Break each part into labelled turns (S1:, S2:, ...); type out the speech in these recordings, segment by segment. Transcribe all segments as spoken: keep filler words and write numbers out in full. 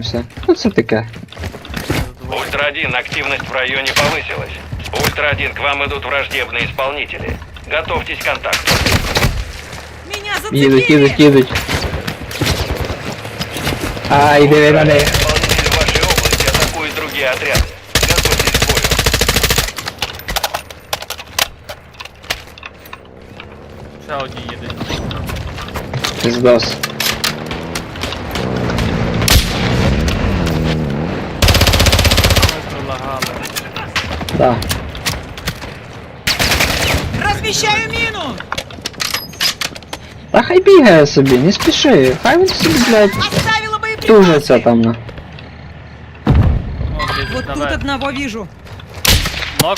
S1: все. Ну це таке.
S2: Ультра один, активность в районе повысилась. Ультра один, к вам идут враждебные исполнители. Готовьтесь к контакту.
S3: Меня зацепили!
S1: Їдуть, їдуть, їдуть. Ай, диви на неї.
S2: Исполнители в вашей области атакуют другие отряды. Готовьтесь к бою.
S4: Ще одні їдуть.
S1: Пиздос.
S4: Ми пролагали.
S1: Да.
S3: Размещаю мину!
S1: Та хай бігає собі, не спіши. Хай він собі, блядь,
S3: Оставила боеприпасы!
S1: тужиться там на.
S4: О, блядь,
S3: Вот тут
S4: наверх.
S3: одного вижу.
S4: Нок.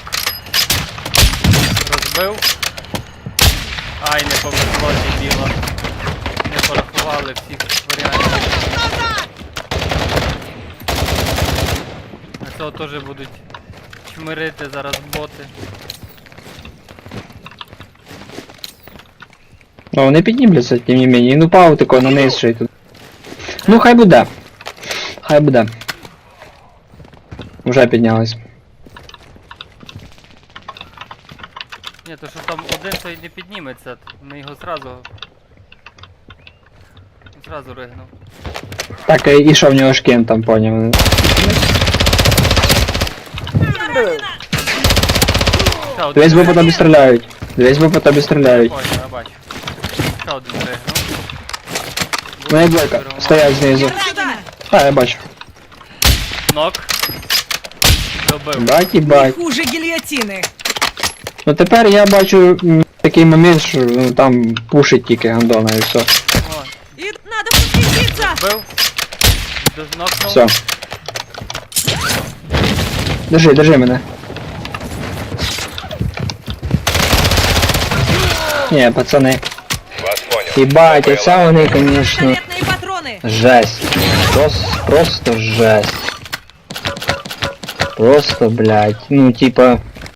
S4: Розбив. Ай, не повезло, дебіла. Не порахували всіх варіантів. А цього теж будуть чмирити зараз боти.
S1: Ну вони піднімляться, тим не мені. Ну пау тако на низ ще й тут. Ну хай буде. Хай буде. Вже піднялись.
S4: Ні, то що там один той не підніметься, ми його зразу... Зразу ригнув.
S1: Так, і що в нього шкін там, поняв.
S4: Ще один
S1: Дивись, бо по
S4: ригнув.
S1: тобі стріляють. Дивись, бо по тобі стріляють.
S4: Ой, я бачу. Ще один ригнув.
S1: Ну і двойка. Стоять знизу.
S3: Сюда!
S1: А, я бачу.
S4: Нок. Добив.
S1: Бать і
S3: Не
S1: бать.
S3: хуже гильотины.
S1: Ну тепер я бачу м, такий момент, що ну, там пушить тільки гандона і все.
S4: О,
S3: И надо подкрепиться!
S4: бив. Нокнув.
S1: Все. Держи, держи мене. Ні, пацани.
S2: Вас понял.
S1: Ебать, оце вони, конечно,
S3: Пистолетные патроны!
S1: жесть. Просто, просто жесть. Просто, блядь, ну типа,